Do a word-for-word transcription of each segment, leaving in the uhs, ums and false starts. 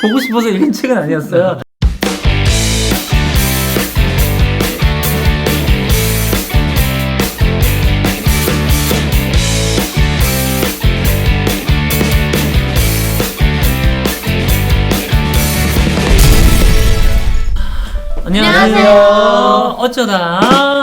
보고 싶어서 읽은 책은 아니었어요. 안녕하세요. 어쩌다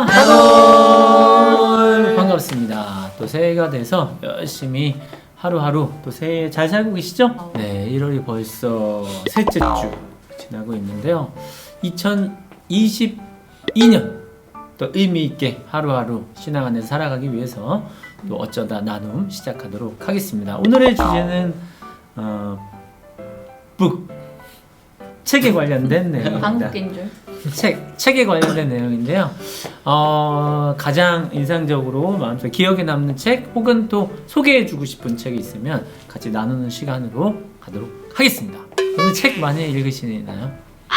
하돌 반갑습니다. 또 새해가 돼서 열심히 하루하루 또 새해 잘 살고 계시죠? 네, 일월이 벌써 셋째 주 지나고 있는데요. 이천이십이 년 또 의미 있게 하루하루 신앙 안에서 살아가기 위해서 또 어쩌다 나눔 시작하도록 하겠습니다. 오늘의 주제는 어, 북 책에 관련된 내용입니다. 한국인 줄. 책, 책에 관련된 내용인데요. 어, 가장 인상적으로 마음속에 기억에 남는 책 혹은 또 소개해주고 싶은 책이 있으면 같이 나누는 시간으로 가도록 하겠습니다. 오늘 책 많이 읽으시나요?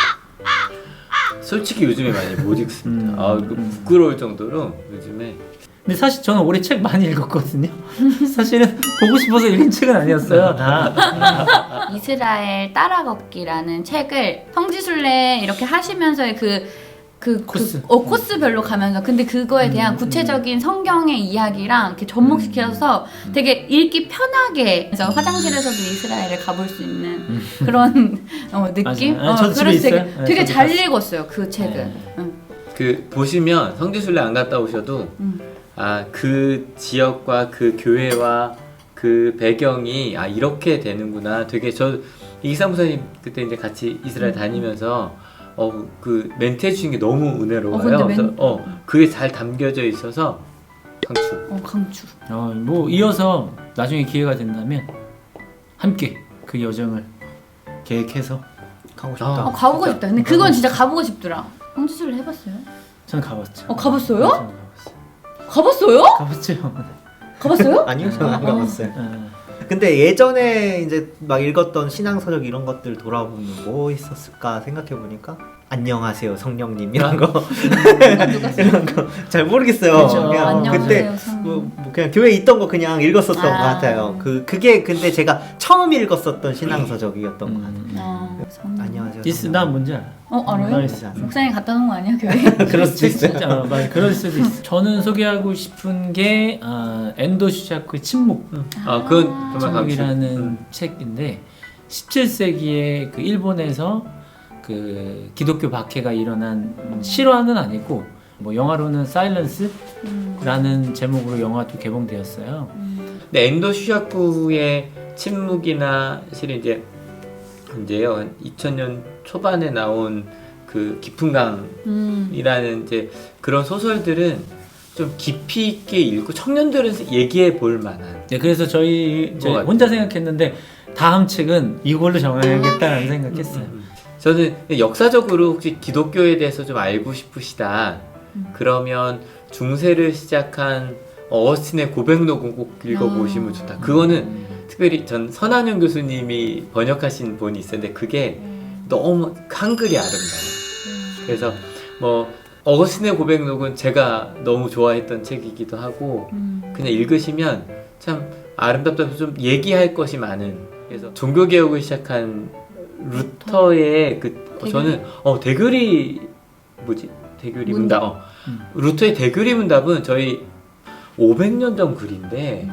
솔직히 요즘에 많이 못 읽습니다. 음, 아, 그 부끄러울 정도로 요즘에. 근데 사실 저는 올해 책 많이 읽었거든요. 사실은 보고 싶어서 읽은 책은 아니었어요. 다. 이스라엘 따라 걷기라는 책을 성지순례 이렇게 하시면서의 그, 그, 코스. 그, 어, 코스별로 가면서 근데 그거에 대한 음, 구체적인 성경의 이야기랑 이렇게 접목시켜서 음. 되게 읽기 편하게 그래서 화장실에서도 이스라엘을 가볼 수 있는 그런 어, 느낌? 맞아요. 아, 저도 집에 그래서 되게, 있어요. 네, 되게 저도 잘 봤어요. 읽었어요 그 책을. 네. 응. 그 보시면 성지순례 안 갔다 오셔도 음. 아, 그 지역과 그 교회와 그 배경이 아 이렇게 되는구나. 되게 저 이기상 목사님 그때 이제 같이 이스라엘 음. 다니면서 어 그 멘트 해주신 게 너무 은혜로워요. 어, 근데 멘- 그래서 어 그게 잘 담겨져 있어서 강추. 어, 강추. 어, 뭐 이어서 나중에 기회가 된다면 함께 그 여정을 계획해서 가고 싶다. 아, 어, 가보고 진짜. 싶다. 근데 그건 진짜 가보고 싶더라. 성지순례 해봤어요? 저는 가봤죠. 어, 가봤어요? 저는 가봤어요. 가봤어요? 가봤죠. 가봤어요? 아니요, 저는 안 어. 가봤어요. 어. 근데 예전에 이제 막 읽었던 신앙서적 이런 것들 돌아보면 뭐 있었을까 생각해 보니까 안녕하세요 성령님 이런 거 누가 누가 써? 이런 거 잘 모르겠어요. 그쵸. 그냥 안녕하세요, 그때 성령. 뭐, 뭐 그냥 교회에 있던 거 그냥 읽었었던 아. 것 같아요. 그 그게 근데 제가 처음 읽었었던 신앙서적이었던 것 같아요. 음. 어, 성령. 안녕하세요. 디스 나 뭔지 알아. 어 알아요? 알았어. 목사님 갖다 놓은 거 아니야 교회? 그럴 수도 있어요. 진짜 어, 맞아. 그럴 수도 있어. 저는 소개하고 싶은 게 어, 엔도 슈샤크의 침묵. 아 그건 정말 강추. 침묵이라는 음. 책인데 십칠 세기에 그 일본에서 그 기독교 박해가 일어난 실화는 아니고 뭐 영화로는 사일런스라는 음. 제목으로 영화도 개봉되었어요. 음. 근데 엔도 슈샤쿠의 침묵이나 실은 이제 언제요? 한 이천 년 초반에 나온 그 깊은 강이라는 음. 이제 그런 소설들은 좀 깊이 있게 읽고 청년들은 얘기해 볼 만한. 네, 그래서 저희, 저희 같아요. 혼자 생각했는데 다음 책은 이걸로 정해야겠다는 생각했어요. 음. 저는 역사적으로 혹시 기독교에 대해서 좀 알고 싶으시다. 음. 그러면 중세를 시작한 어거스틴의 고백록은 꼭 읽어보시면 아. 좋다. 그거는 특별히 전 선한영 교수님이 번역하신 본이 있었는데 그게 너무 한글이 아름다워요. 그래서 뭐 어거스틴의 고백록은 제가 너무 좋아했던 책이기도 하고 음. 그냥 읽으시면 참 아름답다면서 좀 얘기할 것이 많은. 그래서 종교개혁을 시작한 루터의 그 대교리? 저는 어 대교리 뭐지 대교리 문답. 문답 어. 음. 루터의 대교리 문답은 저희 오백 년 전 글인데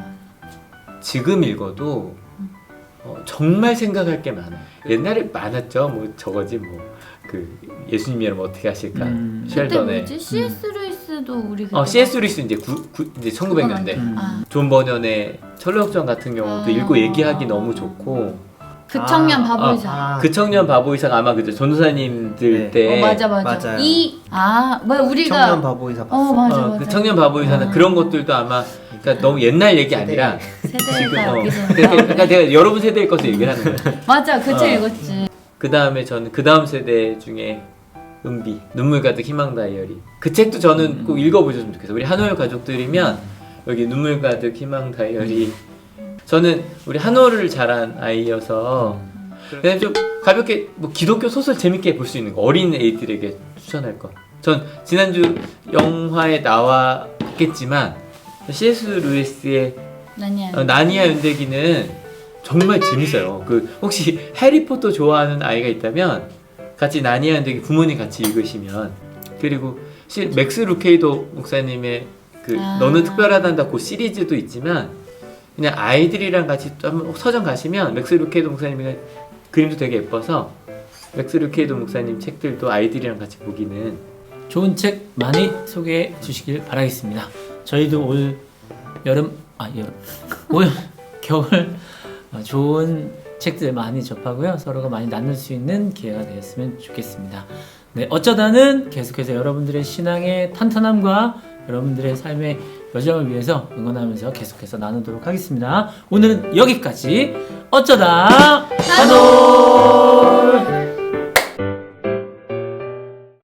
지금 읽어도 어, 정말 생각할 게 많아요. 옛날에 많았죠. 뭐 저거지 뭐 그 예수님이라면 어떻게 하실까 음. 그때 쉘던의 뭐지? 씨에스 루이스도 우리 그때 어 씨에스 루이스 이제 구, 구, 이제 천구백 년대 음. 아, 존 버년의 철로역전 같은 경우도 아. 읽고 얘기하기 너무 좋고 그 청년 아, 바보이사. 아, 그 청년 바보이사가 아마 그죠 전도사님들 네. 때 어 맞아 맞아. 맞아요. 이 아, 뭐 우리가 청년 바보이사 어 봤어. 맞아 어, 맞아. 그 청년 바보이사는 아. 그런 것들도 아마 그러니까 너무 옛날 얘기 아니라 지금 세대가 어, 여기서 그러니까, 그러니까 내가 여러분 세대의 것을 얘기를 하는 거예요. 맞아 그 책 어. 읽었지. 그 다음에 저는 그 다음 세대 중에 은비 눈물 가득 희망 다이어리 그 책도 저는 음. 꼭 읽어보셨으면 좋겠어요. 우리 한올 가족들이면 여기 눈물 가득 희망 다이어리 저는 우리 한올을 자란 아이여서 그냥 좀 가볍게 뭐 기독교 소설 재밌게 볼 수 있는 거 어린 애들에게 추천할 거. 전 지난주 영화에 나왔겠지만 씨에스 루이스의 나니야. 어, 나니아 연대기는 정말 재밌어요. 그 혹시 해리포터 좋아하는 아이가 있다면 같이 나니아인데 부모님 같이 읽으시면 그리고 실 맥스 루케이도 목사님의 그 아. 너는 특별하단다 그 시리즈도 있지만 그냥 아이들이랑 같이 또 한번 서점 가시면 맥스 루케이도 목사님의 그림도 되게 예뻐서 맥스 루케이도 목사님 책들도 아이들이랑 같이 보기는 좋은 책 많이 소개해 주시길 바라겠습니다. 저희도 올 여름 아 여름 올 겨울 어, 좋은 책들 많이 접하고요. 서로가 많이 나눌 수 있는 기회가 되었으면 좋겠습니다. 네, 어쩌다는 계속해서 여러분들의 신앙의 탄탄함과 여러분들의 삶의 여정을 위해서 응원하면서 계속해서 나누도록 하겠습니다. 오늘은 여기까지 어쩌다 한올